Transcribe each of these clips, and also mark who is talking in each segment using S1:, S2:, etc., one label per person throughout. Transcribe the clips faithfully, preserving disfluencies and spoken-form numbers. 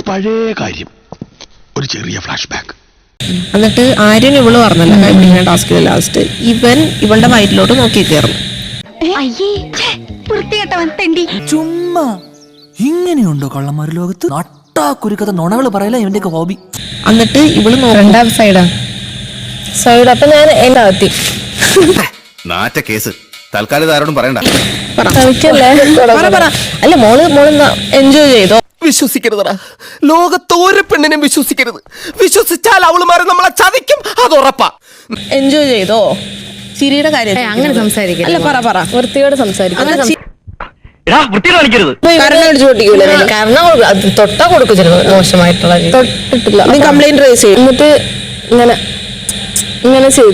S1: പഴയ കാര്യം, ഒരു ചെറിയ ഫ്ലാഷ് ബാക്ക്.
S2: എന്നിട്ട് ആര്യൻ ഇവള് പറഞ്ഞല്ലോ ടാസ്കില് ലാസ്റ്റ് ഇവൻ ഇവളുടെ വയറ്റിലോട്ട് നോക്കി കയറുന്നു.
S3: ചുമ്മാ ഇങ്ങനെയുണ്ടോ കള്ളന്മാര് ലോകത്ത്? നട്ടാ കുരുക്കഥ നുണകള് പറയല ഇവന്റെ ഹോബി.
S2: എന്നിട്ട് ഇവള് രണ്ടാം സൈഡാ സൈഡ്. അപ്പൊ ഞാൻ എന്റെ അകത്തി
S4: നാറ്റ കേസ് തൽക്കാലം ആരോടും പറയണ്ട.
S2: അല്ല മോള് മോള് എൻജോയ് ചെയ്തോ?
S3: വിശ്വസിക്കരുതടാ, ലോകത്തോരെ പെണ്ണിനെ വിശ്വസിക്കരുത്. വിശ്വസിച്ചാൽ അവളുമാരെ നമ്മളെ ചതിക്കും, അത് ഉറപ്പാ.
S2: എൻജോയ് ചെയ്തോ? ചിരിയുടെ കാര്യം അങ്ങനെ സംസാരിക്കും. അല്ല പറ പറ വൃത്തിയോട് സംസാരിക്കും. കാരണം തൊട്ടാ കൊടുക്കും ചിലപ്പോൾ മോശമായിട്ടുള്ള തൊട്ടിട്ടില്ല. നീ കംപ്ലൈന്റ് റേസ് ചെയ്യും. എന്നിട്ട് ഇങ്ങനെ ഇങ്ങനെ ചെയ്തു.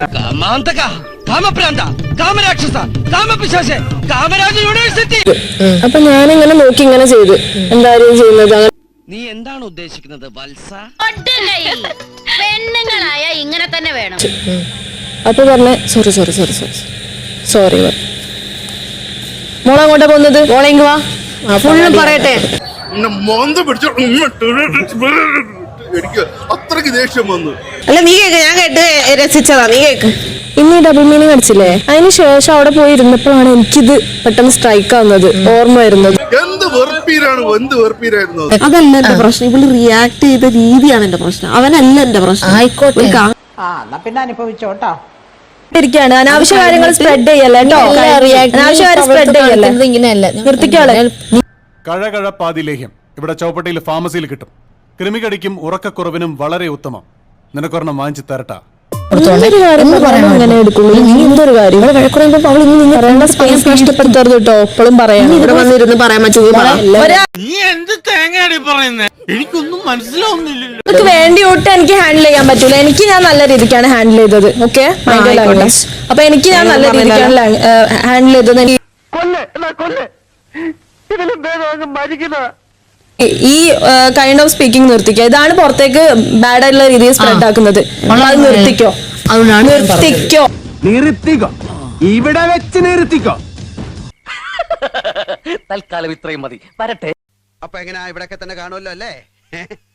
S2: അപ്പൊ ഞാനിങ്ങനെ നോക്കി ഇങ്ങനെ ചെയ്തു. എന്തായാലും ചെയ്യുന്നത്
S5: നീ എന്താണ് ഉദ്ദേശിക്കുന്നത് വത്സ?
S6: പെണ്ണുങ്ങളായ ഇങ്ങനെ തന്നെ വേണം.
S2: അപ്പൊ പറഞ്ഞ sorry sorry sorry sorry sorry മോളെ അങ്ങോട്ടാ പോകുന്നത്? മോളെങ്കി വാ ഫുള്ളും പറയട്ടെ.
S4: അത്രക്ക് ദേഷ്യം വന്നു.
S2: അല്ല നീ കേക്ക്, ഞാൻ കേട്ട് രസിച്ചതാ. നീ കേക്ക്. ഇന്ന് ഡബിൾ മീനിങ് അടിച്ചില്ലേ? അതിന് ശേഷം അവിടെ പോയി ഇരുന്നപ്പോഴാണ് എനിക്കിത് പെട്ടെന്ന് സ്ട്രൈക്ക് ആവുന്നത്, ഓർമ്മ വരുന്നത്.
S7: അതല്ല എന്റെ പ്രശ്നം, ഇവള് റിയാക്ട് ചെയ്ത രീതിയാണ് എന്റെ പ്രശ്നം, അവനല്ല എന്റെ പ്രശ്നം.
S2: ആയിക്കോട്ടെ,
S7: പിന്നെ അനുഭവിച്ചോട്ടോ.
S2: ഇരിക്കാണ് അനാവശ്യ കാര്യങ്ങൾ സ്പ്രെഡ് ചെയ്യല്ലേ കേട്ടോ. അനാവശ്യ കാര്യം സ്പ്രെഡ് ചെയ്യല്ലേ. ഇങ്ങനെയല്ല നിർത്തിക്കാളെ.
S8: കഴകഴപ്പാതി ലേഹ്യം ഇവിടെ ചൗപ്പട്ടിയിൽ ഫാർമസിയിൽ കിട്ടും. കൃമികടിക്കും ഉറക്കക്കുറവിനും വളരെ ഉത്തമം. നിനക്കൊരെണ്ണം വാങ്ങിച്ചു തരട്ടാ.
S2: നഷ്ടപ്പെടുത്തരുത് കേട്ടോ. എപ്പോഴും പറയാം, ഇവിടെ വന്നിരുന്ന് പറയാൻ
S5: എനിക്കൊന്നും മനസ്സിലാവുന്നില്ലല്ലോ.
S2: നിങ്ങൾക്ക് വേണ്ടി ഒട്ടും എനിക്ക് ഹാൻഡിൽ ചെയ്യാൻ പറ്റൂല. എനിക്ക് ഞാൻ നല്ല രീതിക്കാണ് ഹാൻഡിൽ ചെയ്തത്. ഓക്കെ, അപ്പൊ എനിക്ക് ഞാൻ നല്ല രീതിക്കാണ് ഹാൻഡിൽ ചെയ്തത്. ഈ കൈൻഡ് ഓഫ് സ്പീക്കിംഗ് നിർത്തിക്കോ. ഇതാണ് പുറത്തേക്ക് ബാഡ് ആയിട്ടുള്ള രീതിയിൽ സ്പ്രെഡ് ആക്കുന്നത്. അത് നിർത്തിക്കോ, നിർത്തിക്കോ,
S5: നിർത്തിക്കോ, ഇവിടെ വെച്ച് നിർത്തിക്കോ. തൽക്കാലം ഇത്രയും മതി, വരട്ടെ. അപ്പൊ എങ്ങനെയാ, ഇവിടൊക്കെ തന്നെ കാണുമല്ലോ അല്ലേ?